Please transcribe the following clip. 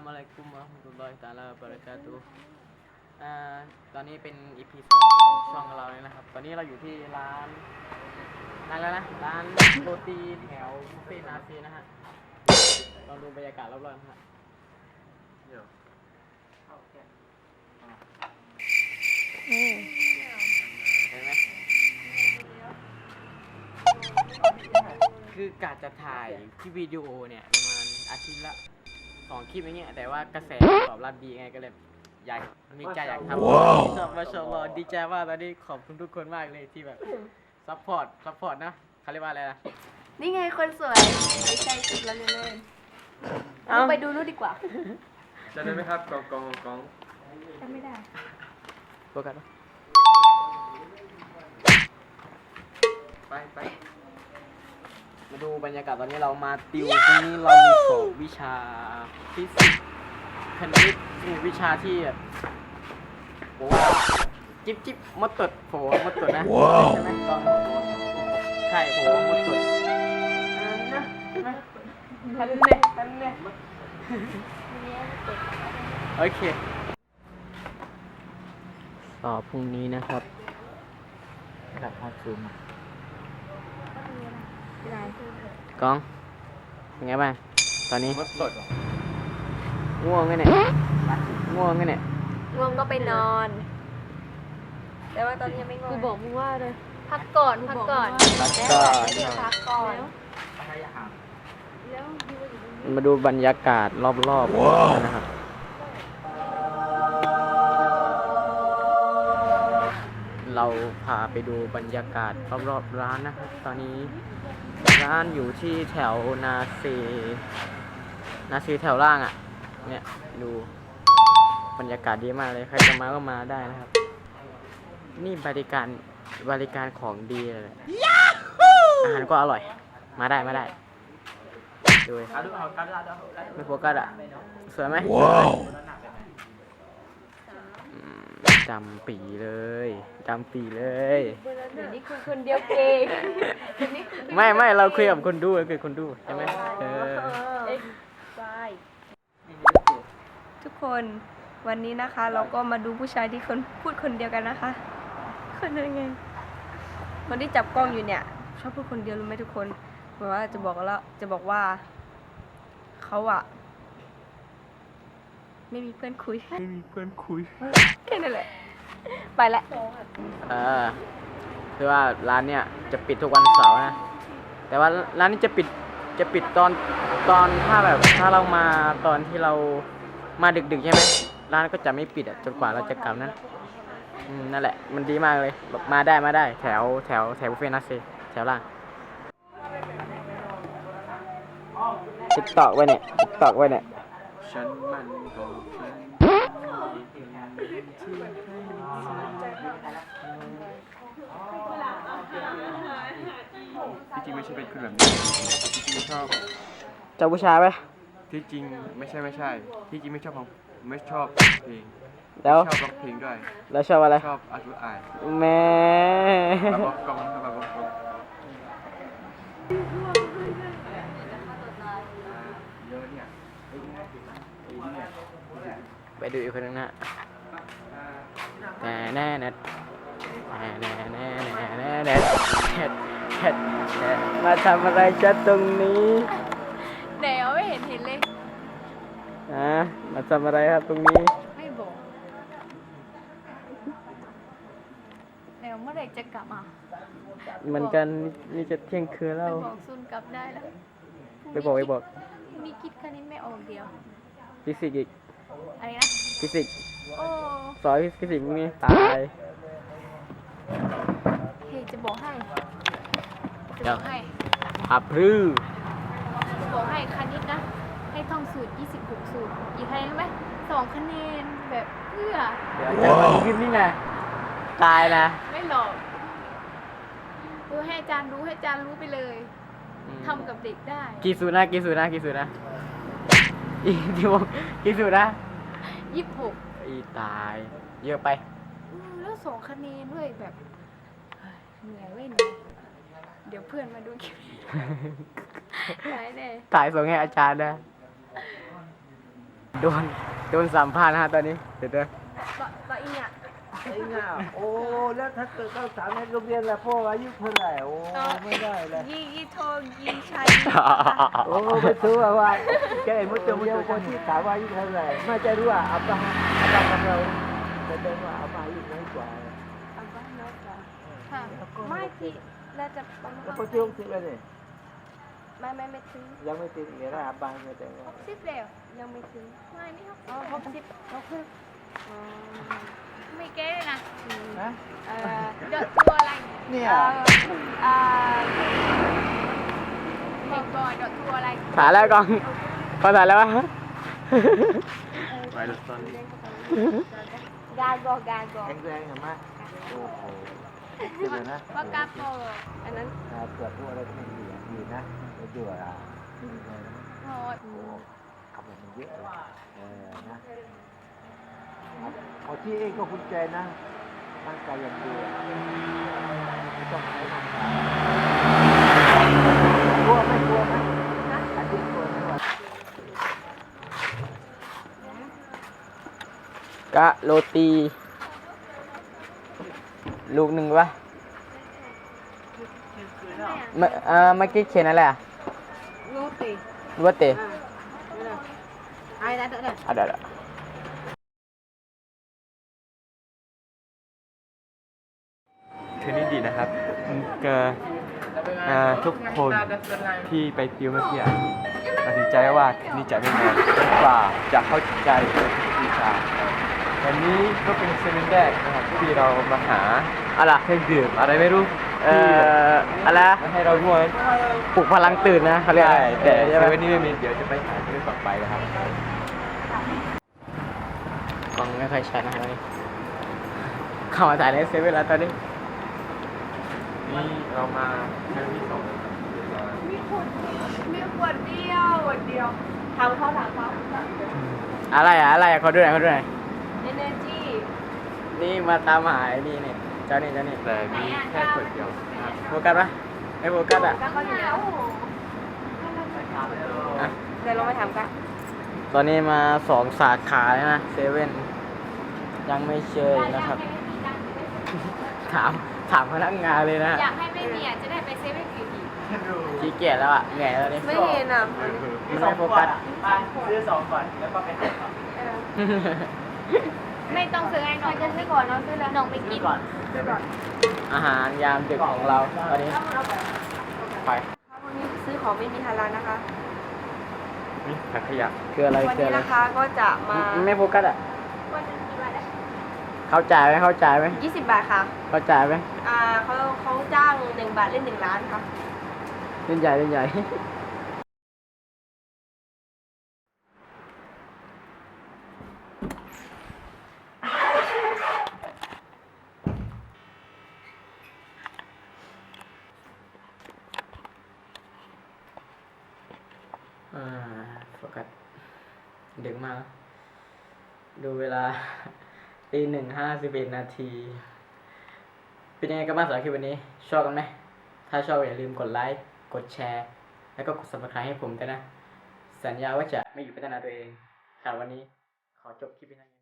Assalamualaikum warahmatullahi taala wabarakatuh ตอนนี้เป็น EP 2ของช่องเราเลยนะครับ ตอนนี้เราอยู่ที่ร้านแล้วนะ ร้านโรตีแถวบุฟเฟ่นาซีนะฮะ ลองดูบรรยากาศรอบๆนะฮะเห็นไหมคือกะจะถ่ายที่วิดีโอเนี่ยประมาณอาทิตย์ละ2 คลิปอย่างเงี้ยแต่ว่ากระแสตอบรับดีไงก็เลยอยากมีใจอยากทำมาชมดีใจว่าตอนนี้ขอบคุณทุกคนมากเลยที่แบบซัพพอร์ตนะเขาเรียกว่าอะไรนะนี่ไงคนสวยไม่ใช่คิดแล้วเล่นๆเราไปดูรูปดีกว่าจำได้ไหมครับกองจำไม่ได้โฟกัสไปมาดูบรรยากาศตอนนี้เรามาติวตรงนี้เรามีสอบวิชาฟิสิกส์คณิตวิชาที่แบบบอกว่าจิ๊บมดตดโผมดตดนะใช่ไหมตอนใช่โผมดตดทันเนี่ยโอเคสอบพรุ่งนี้นะครับกับภาคซูมกองเป็นไงบ้างตอนนี้มดสดง่วงไงเนี่ยง่วงก็ไปนอนแต่ว่าตอนนี้ยังไม่ง่วงกูบอกมึงว่าเลยพักก่อนเดี๋ยวพักก่อนมาดูบรรยากาศรอบๆนะครับเราพาไปดูบรรยากาศรอบๆร้านนะครับตอนนี้ร้านอยู่ที่แถวนาซีแถวล่างอ่ะเนี่ยดูบรรยากาศดีมากเลยใครจะมาก็มาได้นะครับนี่บริการของดีเลยอาหารก็อร่อยมาได้ดูไม่โฟกัสอ่ะสวยไหมจำปีเลยเดี๋ยวนี้คือคนเดียวเก่งไม่เราคุยกับคนดูใช่ไหมทุกคนวันนี้นะคะ เราก็มาดูผู้ชายที่พูดคนเดียวกันนะคะคนยังไงคนที่จับกล้องอยู่เนี่ยชอบพูดคนเดียวรู้ไหมทุกคนแบบว่าจะบอกว่าเขาอะไม่มีเพื่อนคุยแค่นั้นแหละไปละคือว่าร้านเนี่ยจะปิดทุกวันเสาร์นะแต่ว่าร้านนี้จะปิดตอนถ้าเรามาตอนที่เรามาดึกใช่ไหมร้านก็จะไม่ปิดจนกว่าเราจะกลับนะนั่นแหละมันดีมากเลยแบบมาได้แถวบุฟเฟ่ต์นัสซีแถวล่างติ๊กตอกไว้เนี่ยฉันมันก็ที่จริงไม่ใช่เป็นคนแบบนี้ที่จริงชอบเจ้าผู้ชายไหมที่จริงไม่ใช่ที่จริงไม่ชอบเพลงแล้วชอบร้องเพลงด้วยแล้วชอบอะไรชอบอ่านแม่บอกกองไปดูอีกคนนึงนะแน่มาทำอะไรจัดตรงนี้เดี๋ยวไม่เห็นเลยมาทำอะไรครับตรงนี้ไม่บอกเดี๋ยวเมื่อไหร่จะกลับเหมือนกันนี่จะเที่ยงคืนแล้วบอกซุนกลับได้แล้วไปบอกมีคิดคณิตไม่ออกเดียวฟิสิกส์อีกอะไรนะฟิสิกส์สอนฟิสิกส์นี่ตายเฮ้ยจะบอกให้อับรื้อจะบอกให้คณิตนะให้ท่องสูตร26 สูตรอีกคะแนนไหม2 คะแนนแบบเพื่อเดี๋ยวจะมาขึ้นนี่ไงตายนะไม่หลอกให้อาจารย์รู้ไปเลยทำกับเด็กได้กี่สูตรนะอีที่บอกกี่สูตรนะ 26 อีตายเยอะไปแล้ว2 คะแนนด้วยแบบเหนื่อยเว้ยเดี๋ยวเพื่อนมาดูคลิปถ่ายส่งให้อาจารย์นะโดนโดนสัมภาษณ์นะฮะตอนนี้เดี๋ยวเด้อต่ออีเนี่ยไอ้ง่าโอ้แล้วถ้าเกิดเข้าสามในโรงเรียนละพ่ออายุเท่าไหร่โอ้ไม่ได้เลยยี่โทยี่ชัยโอ้ไม่รู้ว่าแกมุดจมูกคนที่ถามว่าอายุเท่าไหร่ไม่จะรู้ว่าอับบ้าของเราจะเป็นว่าอับบ้าอายุน้อยกว่าอันบ้านน้อยกว่าค่ะไม่ที่เราจะประมาณแล้วพอที่60แล้วเนี่ยไม่ถึงยังไม่ติดเนี่ยนะอับบ้าเนี่ยแต่ว่า 60แล้วยังไม่ถึงไม่นี่60 ไม่เก๊เลยนะนะเดอะทัวร์อะไรเนี่ยบอกก่อนเดอะทัวร์อะไรถ่ายแล้วกล้องพอถ่ายแล้ววะไปดูตอนนี้กาโกแข็งแรงเห็นไหมโอ้โหสุดเลยนะว่ากาโปอันนั้นเกิดพวกอะไรก็ไม่ดีนะไม่ดีอ่ะโหดโอ้คำมันเยอะเลยนะพอที่เองก็คุณใจนะร่างกายอย่างเดียวไม่ต้องใช้ร่างกายกลัวไหมอันนี้กลัวไหมวะกะโรตีลูกหนึ่งวะเมื่อกี้เขียนอะไรอ่ะโรตีรู้ว่าเตะไอ้ได้ได้เดี๋ยวคืนนี้ดีนะครับทุกคนที่ไปติวเมื่อกี้ตัดสินใจว่าคืนนี้จะไม่นอนจนกว่าจะเข้าใจวิชาวันนี้ก็เป็นเซมินแรกนะครับที่เรามาหาอะไรเครื่องดื่มอะไรไม่รู้อะไรมาให้เราด้วยปลุกพลังตื่นนะเขาเรียกใช่แต่ใช่เซไหมเว่นนี่ไม่มีเดี๋ยวจะไปหาเรื่องต่อไปนะครับกล้องไม่ค่อยชัดนะตอนนี้เข้ามาถ่ายในเซเว่นแล้วตอนนี้นี่เรามาครั้งที่สองมีขวดเดียวถามเขาอะไรอ่ะเขาดูหน่อย Energy นี่มาตามหาไอ้นี่เนี่ยเจ้านี่แต่มีแค่ขวดเดียวนะครับโฟกัสปะไม่โฟกัสอ่ะก็เขาอยู่แล้วอ่ะเดี๋ยวเรามาถามกันตอนนี้มา2 สาขาแล้วนะเซเว่นยังไม่เชยนะครับ ถามพนักงานเลยนะอยากให้ไม่มีอ่ะจะได้ไปเซเว่นอยู่ดีขี้เกียจแล้วอ่ะเหนื่อยแล้วนี่ไม่เห็นอ่ะไม่โฟกัสซื้อ2ก่อนแล้วก็ไปหาต่อไม่ต้องซื้อให้น้องจะซื้อก่อนน้องซื้อแล้วน้องไปกินอาหารยามดึกของเราตอนนี้ไปวันนี้ซื้อของไม่มีฮาลาลนะคะนี่ถังขยะคืออะไรวันคือนี้อะไรนะคะก็จะมาไม่โฟกัสอ่ะวันหนึงกี่บาทได้เข้าใจไหม 20 บาทค่ะเข้าใจไหมเขาจ้าง1 บาทเล่น1 ล้านค่ะเล่นใหญ่โฟกัสดึกมากดูเวลา 1:51 นาทีเป็นยังไงกันบ้างสำหรับคลิปวันนี้ชอบกันไหมถ้าชอบอย่าลืมกดไลค์กดแชร์ แล้วก็กด subscribe ให้ผมด้วยนะ สัญญาว่าจะไม่หยุดพัฒนาตัวเองสำหรับวันนี้ขอจบคลิปนี้